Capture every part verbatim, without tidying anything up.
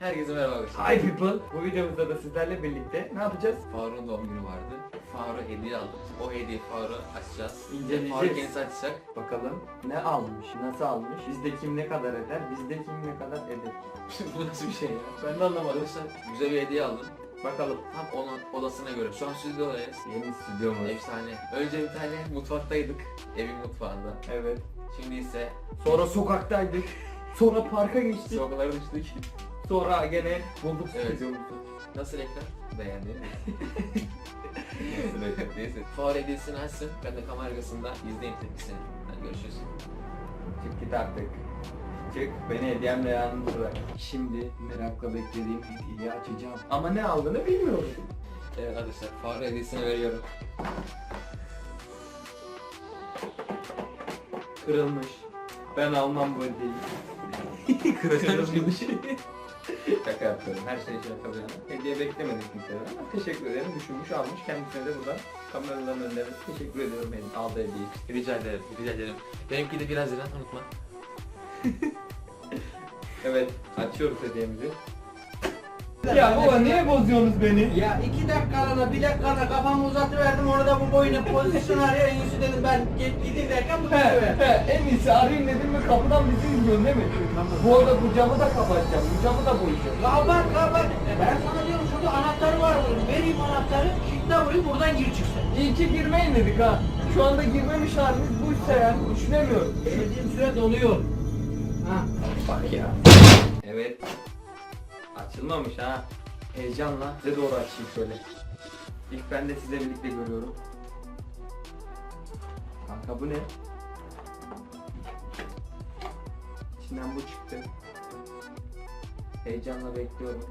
Herkese merhaba arkadaşlar. Hi people. Bu videomuzda da sizlerle birlikte ne yapacağız? Faruk'un doğum günü vardı. Faruk'a hediye aldım. O hediye Faruk'a açacağız. İnceleyeceğiz. Faruk kendisi açacak. Bakalım ne almış, nasıl almış, bizde kim ne kadar eder, bizde kim ne kadar eder. Bu nasıl bir şey ya? Ben de anlamadım. Arkadaşlar güzel bir hediye aldım. Bakalım. Tam onun odasına göre. Şu an stüdyodayız. Yeni stüdyomuz. Efsane. Önce bir tane mutfaktaydık. Evin mutfağında. Evet. Şimdi ise Sonra sokaktaydık. Sonra parka geçtik. sokaklara düştük. Sonra gene bulduk Evet. stüdyomuzu. Nasıl ekran? Beğendin mi? Nasıl ekran? Neyse. Faruk hediyesini açsın. Ben de kamera arkasında izleyeyim tepkisini. Hadi görüşürüz. Çık git artık. Çık beni hediyemle yalnız bırak. Şimdi merakla beklediğim hediyeyi açacağım. Ama ne aldığını bilmiyorum. Evet arkadaşlar Faruk hediyesini veriyorum. Kırılmış. Ben almam bu hediyeyi. Kırılmış. Şaka yapıyorum. Her şey şaka bir yana. Hediye beklemedik kimseden ama teşekkür ederim. Düşünmüş almış. Kendisine de buradan kameraların önünde teşekkür ediyorum benim aldığı hediye için. Rica ederim, rica ederim. Benimki de biraz Haziran, unutma. Evet, açıyoruz hediyemizi. Ya baba niye bozuyorsunuz beni? Ya iki dakikalığına bir dakikalığına kafamı uzatıverdim orada bu boyuna pozisyon arıyor en iyisi dedim ben git gideyim derken bu He gidiyor. he en iyisi arayayım dedim mi kapıdan bizi izliyorsun değil mi? Bu arada bu camı da kapatacağım, bu camı da boyayacağım. Kapat kapat. E ben sana diyorum şurada anahtarı var bunun. Vereyim anahtarı. Kilitle burayı buradan gir çıksın. İyi ki girmeyin dedik ha. Şu anda girmemiş halimiz buysa yani düşünemiyorum. Dediğim süre doluyor. Ha. Bak ya. Evet. Açılmamış ha. Heyecanla size doğru açayım şöyle. İlk ben de sizle birlikte görüyorum. Kanka bu ne? İçinden bu çıktı. Heyecanla bekliyorum.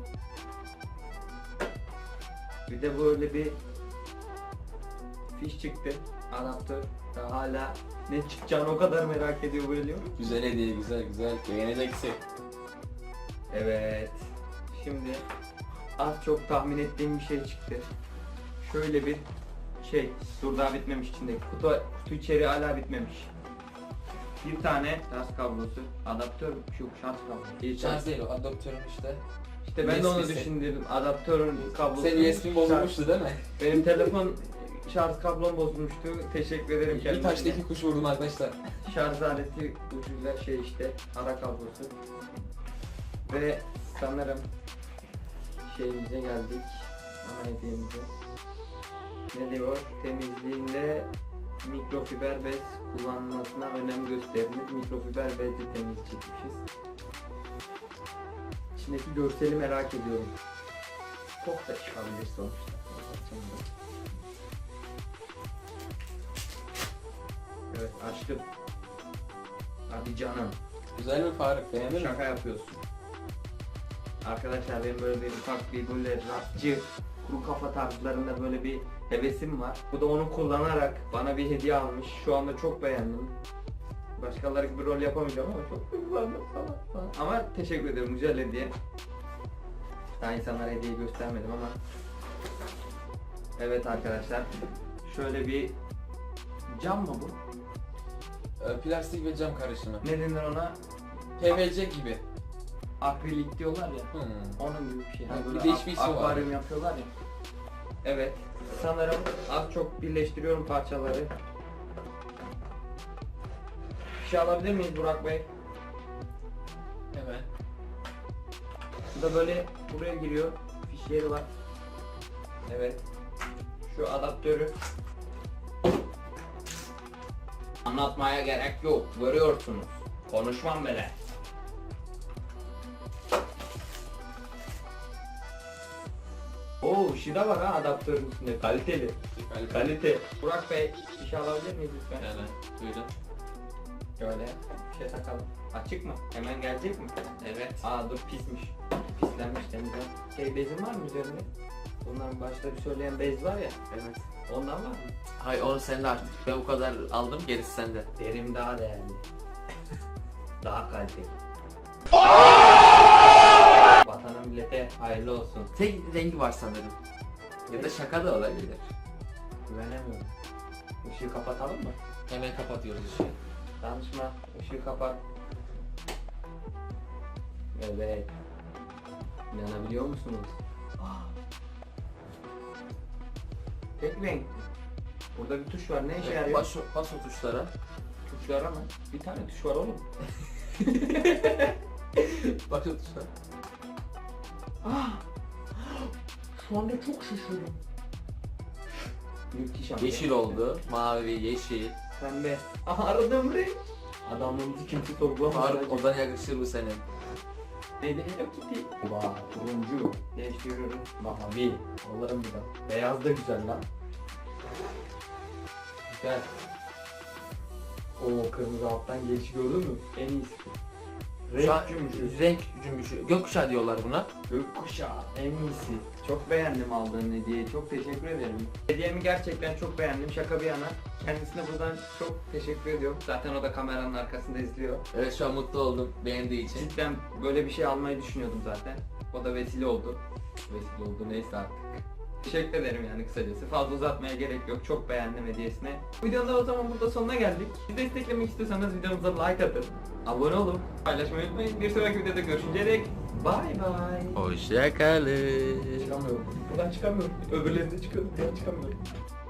Bir de böyle bir fiş çıktı. Adaptör. Daha hala ne çıkacağını o kadar merak ediyor böyle. Güzel hediye, güzel güzel. Beğeneceksin. Evet. Şimdi az çok tahmin ettiğim bir şey çıktı. Şöyle bir şey. Dur daha bitmemiş içindeki. Kutu, kutu içeri hala bitmemiş. Bir tane şarj kablosu. Adaptör şu şarj kablosu. Şans değil o, adaptörüm işte. İşte ben de onu U S B'si. düşündüm. Adaptörün kablosu. Senin U S B'in bozulmuştu değil mi? Benim telefon şarj kablom bozulmuştu. Teşekkür ederim Bir kendisine. taşta iki kuş vurdum arkadaşlar. Şarj aleti ucuyla şey işte ara kablosu. Ve sanırım şeyimize geldik. Ana hediyemize. Ne diyor? Temizliğinde mikrofiber bez kullanılmasına önem gösteriniz. Mikrofiber bezle temiz çekmişiz. İçindeki görseli merak ediyorum. Çok da çıkabilir sonuçta. Evet açtım. Hadi canım. Güzel mi Faruk? Beğendin mi? Şaka yapıyorsun. Arkadaşlar benim böyle bir ufak bir böyle rapçı, kuru kafa tarzlarında böyle bir hevesim var. Bu da onu kullanarak bana bir hediye almış. Şu anda çok beğendim. Başkaları gibi rol yapamayacağım ama çok duygulandım falan falan. Ama teşekkür ederim, güzel hediye. Daha insanlara hediye göstermedim ama. Evet arkadaşlar. Şöyle bir cam mı bu? Ee, Plastik ve cam karışımı. Ne denir ona? P V C gibi. Akrilik diyorlar ya. Hmm. Onun gibi bir şey. Ha, Hani bir böyle de ak- hiçbir ismi var. akvaryum yapıyorlar ya. Evet. Sanırım az çok birleştiriyorum parçaları. Bir şey alabilir miyiz Burak Bey? Evet. Bu da böyle buraya giriyor. Fiş yeri var. Evet. Şu adaptörü. Anlatmaya gerek yok. Görüyorsunuz. Konuşmam bile. Oo, şida var ha adaptörün üstünde. Kaliteli. Kalite. Burak Bey, bir şey alabilir miyiz lütfen? Evet. Buyurun. Şöyle bir şey takalım. Açık mı? Hemen gelecek mi? Evet. Aa dur pismiş. Pislenmiş temizlen. Şey bezin var mı üzerinde? Bunların başta bir söyleyen bez var ya. Evet. Ondan var mı? Hayır o sende artık. Ben o kadar aldım, gerisi sende. Derim daha değerli. Daha kaliteli. Vatana millete hayırlı olsun. Tek rengi var sanırım. Ya da şaka da olabilir. Güvenemiyorum. Işığı kapatalım mı? Hemen kapatıyoruz ışığı. Danışma. Işığı kapat. Evet. İnanabiliyor musunuz? Tek renk. Burada bir tuş var. Ne işe yarıyor? Bas, bas o tuşlara. Tuşlara mı? Bir tane tuş var oğlum. Bas o tuşlara. Ah! Şu anda çok şaşırdım. Müthiş ama. Yeşil oldu. Mavi, yeşil. Pembe. Aha aradığım renk. Adamlığımızı kimse sorgulamaz. Faruk odan yakışır bu senin. Neydi? Hello Kitty. Vay turuncu. Değiştiriyorum. Mavi. Alırım bir daha. Beyaz da güzel lan. Güzel. Oo kırmızı alttan gelişi gördün mü? En iyisi. Şu an Renk cümbüşü. renk cümbüşü. Gökkuşağı diyorlar buna. Gökkuşağı en iyisi. Çok beğendim aldığın hediyeyi. Çok teşekkür ederim. Hediyemi gerçekten çok beğendim. Şaka bir yana. Kendisine buradan çok teşekkür ediyorum. Zaten o da kameranın arkasında izliyor. Evet şu an mutlu oldum beğendiği için. Cidden böyle bir şey almayı düşünüyordum zaten. O da vesile oldu. Vesile oldu neyse artık. Teşekkür ederim yani kısacası. Fazla uzatmaya gerek yok. Çok beğendim hediyesini. Videonun da o zaman burada sonuna geldik. Bizi desteklemek istiyorsanız videomuza like atın. Abone olun. Paylaşmayı unutmayın. Bir sonraki videoda görüşünceye dek bye bye. Hoşçakalın. Çıkamıyorum. Buradan çıkamıyorum. Öbürlerinde çıkıyorum. Buradan çıkamıyorum.